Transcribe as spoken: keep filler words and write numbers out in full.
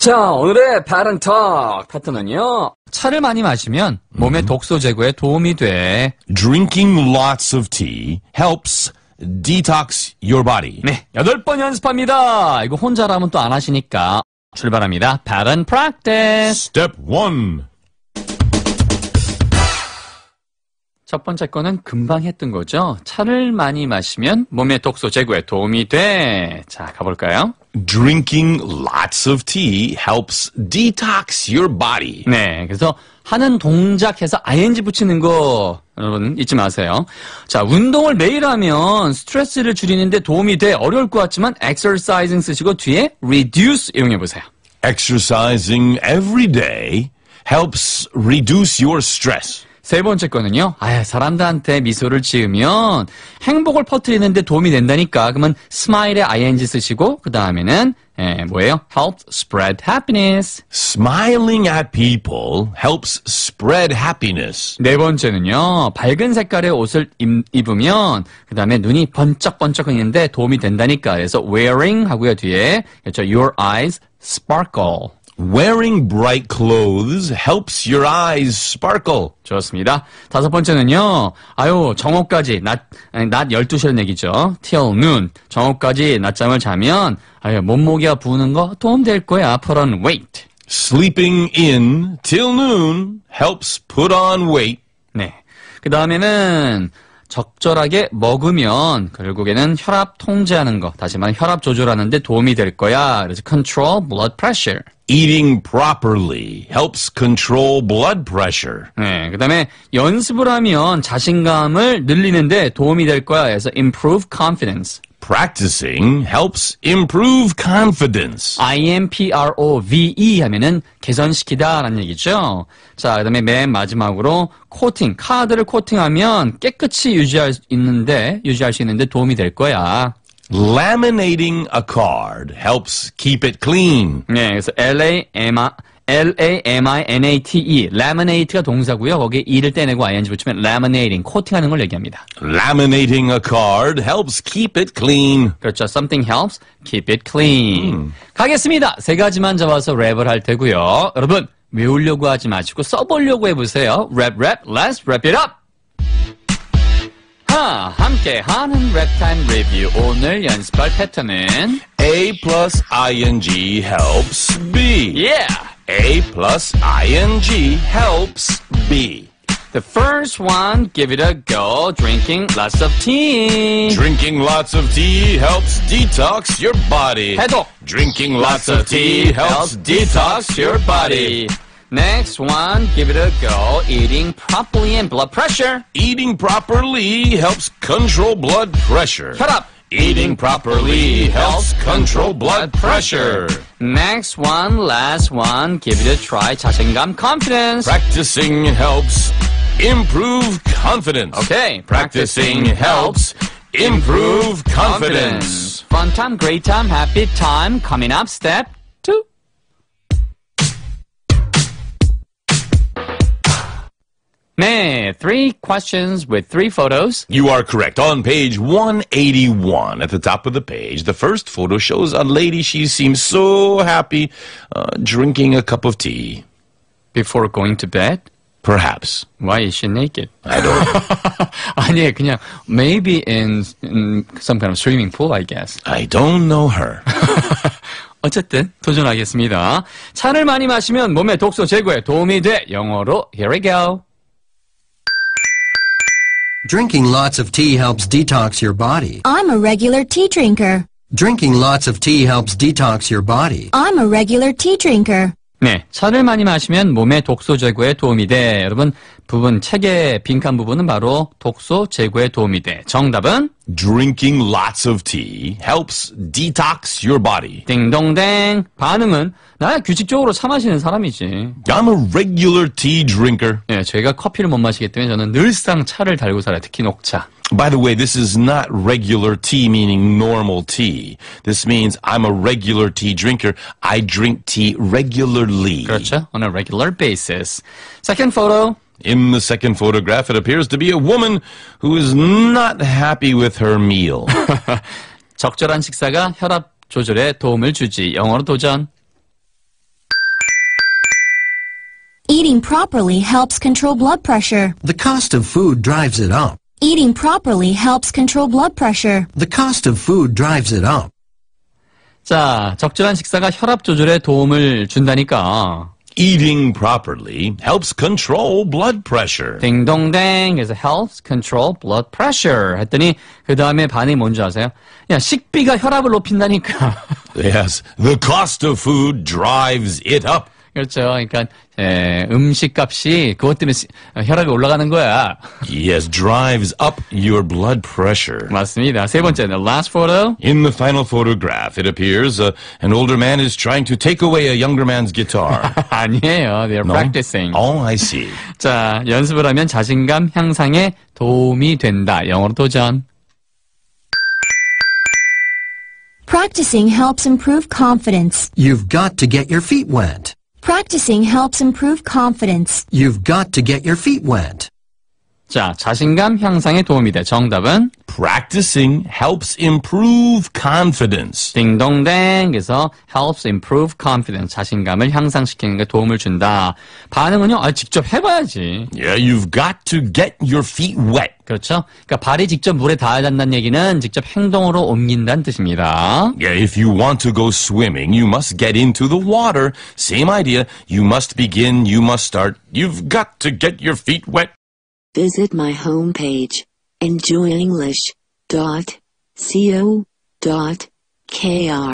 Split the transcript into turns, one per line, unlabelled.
자, 오늘의 Pattern Talk 패턴은요. 차를 많이 마시면 몸의 독소 제거에 도움이 돼.
Drinking lots of tea helps detox your body.
네, 여덟 번 연습합니다. 이거 혼자라면 또 안 하시니까 출발합니다. Pattern Practice.
Step one.
첫 번째 거는 금방 했던 거죠. 차를 많이 마시면 몸의 독소 제거에 도움이 돼. 자, 가볼까요?
Drinking lots of tea helps detox your body.
네, 그래서 하는 동작해서 아이엔지 붙이는 거 여러분 잊지 마세요. 자, 운동을 매일 하면 스트레스를 줄이는데 도움이 돼. 어려울 것 같지만 exercising 쓰시고 뒤에 reduce 이용해보세요.
Exercising every day helps reduce your stress.
세 번째 거는요. 아, 사람들한테 미소를 지으면 행복을 퍼뜨리는데 도움이 된다니까. 그러면 smile에 아이엔지 쓰시고 그 다음에는 예, 뭐예요? help spread happiness.
Smiling at people helps spread happiness.
네 번째는요. 밝은 색깔의 옷을 입, 입으면 그 다음에 눈이 번쩍번쩍하는데 도움이 된다니까. 그래서 wearing 하고요. 뒤에 그렇죠. your eyes sparkle.
Wearing bright clothes helps your eyes sparkle.
좋습니다. 다섯 번째는요. 아유, 정오까지, 낮, 낮 열두 시라는 얘기죠. till noon. 정오까지 낮잠을 자면, 아유, 몸무게가 부는 거 도움될 거야. put on weight.
Sleeping in till noon helps put on weight.
네. 그 다음에는, 적절하게 먹으면 결국에는 혈압 통제하는 거, 다시 말해 혈압 조절하는 데 도움이 될 거야. 그래서 control blood pressure.
Eating properly helps control blood pressure.
네, 그 다음에 연습을 하면 자신감을 늘리는데 도움이 될 거야. 그래서 improve confidence.
Practicing helps improve confidence.
improve 하면은 개선시키다 라는 얘기죠. 자, 그 다음에 맨 마지막으로 코팅, 카드를 코팅하면 깨끗이 유지할 수 있는데, 유지할 수 있는데 도움이 될 거야.
Laminating a card helps keep it clean.
네, 그래서 L-A-M-I, L-A-M-I-N-A-T-E, laminate가 동사고요. 거기에 e를 떼내고 ing 붙이면 laminating, 코팅하는 걸 얘기합니다.
Laminating a card helps keep it clean.
그렇죠. Something helps keep it clean.
음.
가겠습니다. 세 가지만 잡아서 랩을 할 테고요. 여러분, 외우려고 하지 마시고 써보려고 해보세요. 랩, 랩, let's wrap it up! 하, 함께 하는 랩타임 리뷰. 오늘 연습할 패턴은
A plus ing helps B.
Yeah!
A plus ing helps B.
The first one, give it a go. Drinking lots of tea.
Drinking lots of tea helps detox your body.
해독.
Drinking lots of tea helps detox your body.
Next one, give it a go. Eating properly and blood pressure.
Eating properly helps control blood pressure.
혈압.
Eating properly helps control blood pressure.
Next one, last one, give it a try. 자신감, confidence.
Practicing helps improve confidence.
Okay,
Practicing helps improve confidence.
Fun time, great time, happy time. Coming up, step two. 네, three questions with three photos.
You are correct. On page one eighty-one, at the top of the page, the first photo shows a lady. She seems so happy uh, drinking a cup of tea.
Before going to bed?
Perhaps.
Why is she naked?
I don't know.
아니, 그냥 maybe in, in some kind of swimming pool, I guess.
I don't know her.
어쨌든 도전하겠습니다. 차를 많이 마시면 몸의 독소 제거에 도움이 돼. 영어로 here we go.
Drinking lots of tea helps detox your body.
I'm a regular tea drinker.
Drinking lots of tea helps detox your body.
I'm a regular tea drinker.
네, 차를 많이 마시면 몸의 독소 제거에 도움이 돼. 여러분, 부분, 책의 빈칸 부분은 바로 독소 제거에 도움이 돼. 정답은?
Drinking lots of tea helps detox your body.
띵동댕. 반응은? 나 규칙적으로 차 마시는 사람이지.
I'm a regular tea drinker.
네, 저희가 커피를 못 마시기 때문에 저는 늘상 차를 달고 살아요. 특히 녹차.
By the way, this is not regular tea, meaning normal tea. This means I'm a regular tea drinker. I drink tea regularly.
그렇죠. On a regular basis. Second photo.
In the second photograph, it appears to be a woman who is not happy with her meal.
적절한 식사가 혈압 조절에 도움을 주지. 영어로 도전.
Eating properly helps control blood pressure.
The cost of food drives it up.
Eating properly helps control blood pressure.
The cost of food drives it up.
자, 적절한 식사가 혈압 조절에 도움을 준다니까.
Eating properly helps control blood pressure.
딩동댕. 그래서 helps control blood pressure 했더니 그 다음에 반응이 뭔지 아세요? 야, 식비가 혈압을 높인다니까.
Yes, the cost of food drives it up.
그렇죠. 그러니까 에, 음식값이 그것 때문에 시- 혈압이 올라가는 거야.
Yes, drives up your blood pressure.
맞습니다. 세 번째는 last photo.
In the final photograph, it appears uh, an older man is trying to take away a younger man's guitar.
아니에요. They're
No?
practicing.
Oh, I see.
자, 연습을 하면 자신감 향상에 도움이 된다. 영어로 도전.
Practicing helps improve confidence.
You've got to get your feet wet.
Practicing helps improve confidence.
You've got to get your feet wet.
자, 자신감 향상에 도움이 돼. 정답은
Practicing helps improve confidence.
딩동댕. 그래서 helps improve confidence. 자신감을 향상시키는 게 도움을 준다. 반응은요? 아, 직접 해봐야지.
Yeah, you've got to get your feet wet.
그렇죠? 그러니까 발이 직접 물에 닿아야 한다는 얘기는 직접 행동으로 옮긴다는 뜻입니다.
Yeah, if you want to go swimming, you must get into the water. Same idea. You must begin, you must start. You've got to get your feet wet.
Visit my homepage, enjoy english dot co dot k r.